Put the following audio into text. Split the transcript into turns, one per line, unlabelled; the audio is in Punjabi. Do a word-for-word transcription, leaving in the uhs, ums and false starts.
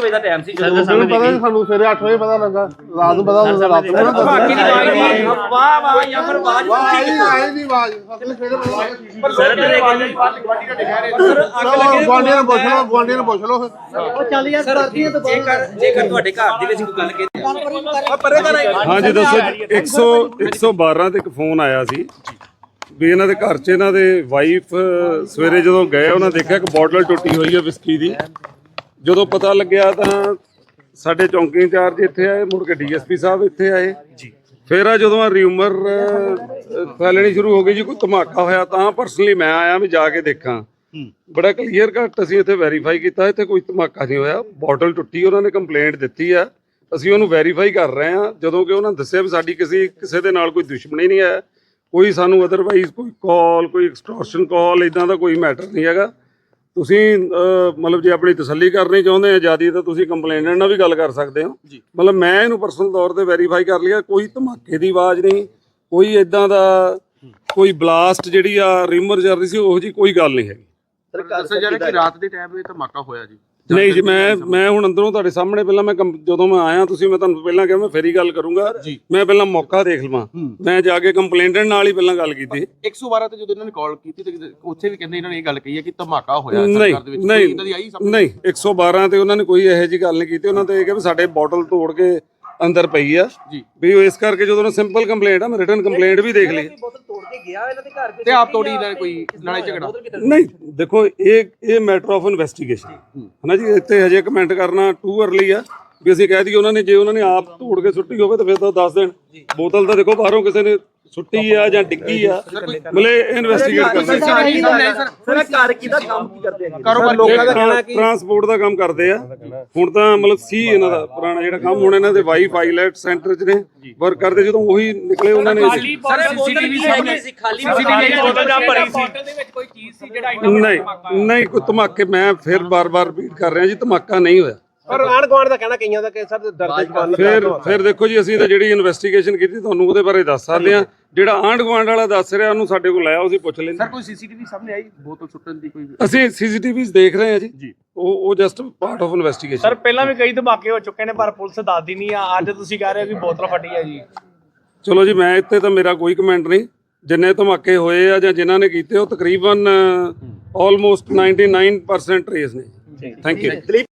ਵਜੇ ਦਾ ਟਾਈਮ ਸੀ
ਜਦੋਂ ਪਤਾ ਸਾਨੂੰ ਸਵੇਰੇ ਅੱਠ ਵਜੇ ਪਤਾ ਲੱਗਾ ਰਾਤ ਨੂੰ ਪਤਾ ਲੱਗਾ ਰਾਤ ਨੂੰ
ਧਮਾਕੇ ਦੀ ਆਵਾਜ਼ ਨਹੀਂ ਵਾਹ ਵਾਹ ਜਾਂ ਫਿਰ ਆਵਾਜ਼
ਆਈ ਨਹੀਂ ਆਵਾਜ਼ ਸਵੇਰੇ
ਪਰ ਸਰ ਦੇ ਆਵਾਜ਼ ਗਵਾਂਡੀ ਦਾ ਦਿਖਾ ਰਹੇ ਸਰ ਅੱਗ ਲੱਗੇ
ਗਵਾਂਡੀਆਂ ਨੂੰ ਪੁੱਛ ਲਓ ਗਵਾਂਡੀਆਂ ਨੂੰ ਪੁੱਛ ਲਓ
ਉਹ ਚੱਲ ਯਾਰ ਕਰਦੀਆਂ ਤਾਂ
ਜੇਕਰ ਜੇਕਰ ਤੁਹਾਡੇ ਘਰ ਦੇ ਵਿੱਚ ਕੋਈ ਗੱਲ ਕੀਤੀ ਪਰੇ ਦਾ
ਹਾਂਜੀ ਦੱਸੋ ਇੱਕ ਸੌ ਇੱਕ ਸੌ ਬਾਰਾਂ ਤੇ ਇੱਕ ਫੋਨ ਆਇਆ ਸੀ ਵੀ ਇਹਨਾਂ ਦੇ ਘਰ 'ਚ ਇਹਨਾਂ ਦੇ ਵਾਈਫ ਸਵੇਰੇ ਜਦੋਂ ਗਏ ਉਹਨਾਂ ਦੇਖਿਆ ਕਿ ਬੋਟਲ ਟੁੱਟੀ ਹੋਈ ਹੈ ਵਿਸਕੀ ਦੀ। ਜਦੋਂ ਪਤਾ ਲੱਗਿਆ ਤਾਂ ਸਾਡੇ ਚੌਂਕੀ ਇੰਚਾਰਜ ਇੱਥੇ ਆਏ, ਮੁੜ ਕੇ ਡੀਐਸਪੀ ਸਾਹਿਬ ਇੱਥੇ ਆਏ ਜੀ। ਫਿਰ ਆ ਜਦੋਂ ਆ ਰਿਊਮਰ ਫੈਲਣੀ ਸ਼ੁਰੂ ਹੋ ਗਈ ਜੀ ਕੋਈ ਧਮਾਕਾ ਹੋਇਆ ਤਾਂ ਪਰਸਨਲੀ ਮੈਂ ਆਇਆ ਵੀ ਜਾ ਕੇ ਦੇਖਾਂ। ਬੜਾ ਕਲੀਅਰ ਕੱਟ ਅਸੀਂ ਇੱਥੇ ਵੈਰੀਫਾਈ ਕੀਤਾ, ਇੱਥੇ ਕੋਈ ਧਮਾਕਾ ਨਹੀਂ ਹੋਇਆ। ਬੋਟਲ ਟੁੱਟੀ ਉਹਨਾਂ ਨੇ ਕੰਪਲੇਂਟ ਦਿੱਤੀ ਆ, ਅਸੀਂ ਉਹਨੂੰ ਵੈਰੀਫਾਈ ਕਰ ਰਹੇ ਹਾਂ। ਜਦੋਂ ਕਿ ਉਹਨਾਂ ਦੱਸਿਆ ਵੀ ਸਾਡੀ ਕਿਸੇ ਕਿਸੇ ਦੇ ਨਾਲ ਕੋਈ ਦੁਸ਼ਮਣੀ ਨਹੀਂ ਹੈ, ਕੋਈ ਸਾਨੂੰ ਅਦਰਵਾਈਜ਼ ਕੋਈ ਕਾਲ ਕੋਈ ਐਕਸਟੋਰਸ਼ਨ ਕਾਲ ਇੱਦਾਂ ਦਾ ਕੋਈ ਮੈਟਰ ਨਹੀਂ ਹੈਗਾ। ਤੁਸੀਂ ਮਤਲਬ ਜੇ ਆਪਣੀ ਤਸੱਲੀ ਕਰਨੀ ਚਾਹੁੰਦੇ ਆ ਜਿਆਦਾ ਤਾਂ ਤੁਸੀਂ ਕੰਪਲੇਨੈਂਟ ਨਾਲ ਵੀ ਗੱਲ ਕਰ ਸਕਦੇ ਹੋ। ਮਤਲਬ ਮੈਂ ਇਹਨੂੰ ਪਰਸਨਲ ਤੌਰ ਤੇ ਵੈਰੀਫਾਈ ਕਰ ਲਿਆ, ਕੋਈ ਧਮਾਕੇ ਦੀ ਆਵਾਜ਼ ਨਹੀਂ, ਕੋਈ ਇੱਦਾਂ ਦਾ ਕੋਈ ਬਲਾਸਟ ਜਿਹੜੀ ਆ ਰਿਮਰ ਚੱਲ ਰਹੀ ਸੀ ਉਹ ਜੀ ਕੋਈ ਗੱਲ ਨਹੀਂ ਹੈਗੀ।
ਦੱਸਿਆ ਜਾ ਰਿਹਾ ਕਿ ਰਾਤ ਦੇ ਟਾਈਮ 'ਤੇ ਧਮਾਕਾ ਹੋਇਆ ਜੀ।
ਨਹੀਂ ਜੀ ਮੈਂ ਮੈਂ ਹੁਣ ਅੰਦਰੋਂ ਤੁਹਾਡੇ ਸਾਹਮਣੇ ਪਹਿਲਾਂ ਮੈਂ ਜਦੋਂ ਮੈਂ ਆਇਆ ਤੁਸੀਂ ਮੈਂ ਤੁਹਾਨੂੰ ਪਹਿਲਾਂ ਕਿਹਾ ਮੈਂ ਫੇਰ ਹੀ ਗੱਲ ਕਰੂੰਗਾ। ਮੈਂ ਪਹਿਲਾਂ ਮੌਕਾ ਦੇਖ ਲਵਾਂ, ਮੈਂ ਜਾ ਕੇ ਕੰਪਲੇਂਟੈਂਟ ਨਾਲ ਹੀ ਪਹਿਲਾਂ ਗੱਲ ਕੀਤੀ।
ਇੱਕ ਸੌ ਬਾਰਾਂ ਤੇ ਜਦੋਂ ਇਹਨਾਂ ਨੇ ਕਾਲ ਕੀਤੀ ਤੇ ਉੱਥੇ ਵੀ ਕਹਿੰਦੇ ਇਹਨਾਂ ਨੇ ਇਹ ਗੱਲ ਕਹੀ ਹੈ ਕਿ ਧਮਾਕਾ ਹੋਇਆ
ਨਹੀਂ
ਸਰਕਾਰ ਦੇ ਵਿੱਚ।
ਨਹੀਂ ਨਹੀਂ ਇੱਕ ਸੌ ਬਾਰਾਂ ਤੇ ਉਹਨਾਂ ਨੇ ਕੋਈ ਇਹੋ ਜਿਹੀ ਗੱਲ ਨਹੀਂ ਕੀਤੀ। ਉਹਨਾਂ ਤੇ ਇਹ ਕਿਹਾ ਵੀ ਸਾਡੇ ਬੋਟਲ ਤੋੜ ਕੇ ਅੰਦਰ ਪਈ ਆ ਵੀ ਉਹ ਇਸ ਕਰਕੇ ਜਦੋਂ ਉਹਨਾਂ ਸਿੰਪਲ ਕੰਪਲੇਂਟ ਆ ਮੈਂ ਰਿਟਨ ਕੰਪਲੇਂਟ ਵੀ ਦੇਖ ਲਈ।
ਬੋਤਲ ਤੋੜ ਕੇ ਗਿਆ ਇਹਨਾਂ ਦੇ ਘਰ
ਤੇ ਆਪ ਤੋੜੀ ਇਹਨਾਂ ਨੇ ਕੋਈ ਲੜਾਈ ਝਗੜਾ
ਨਹੀਂ ਦੇਖੋ ਇਹ ਇਹ ਮੈਟਰ ਆਫ ਇਨਵੈਸਟੀਗੇਸ਼ਨ ਹੈ ਨਾ ਜੀ। ਇੱਥੇ ਹਜੇ ਕਮੈਂਟ ਕਰਨਾ ਟੂ ਅਰਲੀ ਆ ਵੀ ਅਸੀਂ ਕਹਿ ਦਈਏ ਉਹਨਾਂ ਨੇ ਜੇ ਉਹਨਾਂ ਨੇ ਆਪ ਤੋੜ ਕੇ ਸੁੱਟੀ ਹੋਵੇ ਤਾਂ ਫਿਰ ਤਾਂ ਦੱਸ ਦੇਣ। ਬੋਤਲ ਤਾਂ ਦੇਖੋ ਬਾਹਰੋਂ ਕਿਸੇ ਨੇ ਸੁੱਟੀ ਆ ਜਾਂ ਡਿੱਗੀ ਆ, ਮਤਲਬ ਇਨਵੈਸਟੀਗੇਟ ਕਰਨਾ।
ਸਰ ਘਰ ਕਿਹਦਾ ਕੰਮ ਕੀ ਕਰਦੇ ਆ?
ਕਾਰੋਬਾਰ ਲੋਕਾਂ ਦਾ ਕਹਿਣਾ ਕਿ
ਟਰਾਂਸਪੋਰਟ ਦਾ ਕੰਮ ਕਰਦੇ ਆ ਹੁਣ ਤਾਂ, ਮਤਲਬ ਸੀ ਇਹਨਾਂ ਦਾ ਪੁਰਾਣਾ ਜਿਹੜਾ ਕੰਮ। ਹੁਣ ਇਹਨਾਂ ਦੇ ਵਾਈਫ ਆਈਲੈਟ ਸੈਂਟਰ 'ਚ ਨੇ ਵਰਕ ਕਰਦੇ। ਜਦੋਂ ਉਹੀ ਨਿਕਲੇ ਉਹਨਾਂ ਨੇ
ਸਰ ਸੀਸੀਟੀਵੀ ਸਾਹਮਣੇ ਸੀ, ਖਾਲੀ ਬੋਤਲ ਜਾਂ ਭਰੀ ਸੀ, ਬੋਤਲ ਦੇ ਵਿੱਚ ਕੋਈ ਚੀਜ਼ ਸੀ ਜਿਹੜਾ
ਨਹੀਂ ਨਹੀਂ ਕੋਈ ਧਮਾਕੇ ਮੈਂ ਫਿਰ ਬਾਰ-ਬਾਰ ਰਿਪੀਟ ਕਰ ਰਿਹਾ ਜੀ ਧਮਾਕਾ ਨਹੀਂ ਹੋਇਆ।
ਪਰ ਆਂਢ ਗੁਆਂਢ ਦਾ ਕਹਿਣਾ ਕਈਆਂ ਦਾ ਕਿ ਸਰ ਦਰਦ ਜਵਾਨ
ਫਿਰ ਫਿਰ ਦੇਖੋ ਜੀ ਅਸੀਂ ਤਾਂ ਜਿਹੜੀ ਇਨਵੈਸਟੀਗੇਸ਼ਨ ਕੀਤੀ ਤੁਹਾਨੂੰ ਉਹਦੇ ਬਾਰੇ ਦੱਸ ਸਕਦੇ ਹਾਂ। ਜਿਹੜਾ ਆਂਢ ਗੁਆਂਢ ਵਾਲਾ ਦੱਸ ਰਿਹਾ ਉਹਨੂੰ ਸਾਡੇ ਕੋਲ ਆਇਆ, ਅਸੀਂ ਪੁੱਛ ਲੈਂਦੇ।
ਸਰ ਕੋਈ ਸੀਸੀਟੀਵੀ ਸਾਹਮਣੇ ਆਈ ਬੋਤਲ ਸੁੱਟਣ ਦੀ ਕੋਈ?
ਅਸੀਂ ਸੀਸੀਟੀਵੀਜ਼ ਦੇਖ ਰਹੇ ਹਾਂ ਜੀ। ਉਹ ਉਹ just part of investigation.
Sir ਪਹਿਲਾਂ ਵੀ ਕਈ ਧਮਾਕੇ ਹੋ ਚੁੱਕੇ ਨੇ ਪਰ ਪੁਲਿਸ ਦੱਸਦੀ ਨਹੀਂ ਆ। ਅੱਜ ਤੁਸੀਂ ਕਹਿ ਰਹੇ ਹੋ ਕਿ ਬੋਤਲ ਫਟੀ ਹੈ ਜੀ।
ਚਲੋ ਜੀ ਮੈਂ ਇੱਥੇ ਤਾਂ ਮੇਰਾ ਕੋਈ ਕਮੈਂਟ ਨਹੀਂ। ਜਿੰਨੇ ਧਮਾਕੇ ਹੋਏ ਆ ਜਾਂ ਜਿਨ੍ਹਾਂ ਨੇ ਕੀਤੇ ਉਹ ਤਕਰੀਬਨ almost ninety nine percent trace ਨੇ। Thank you.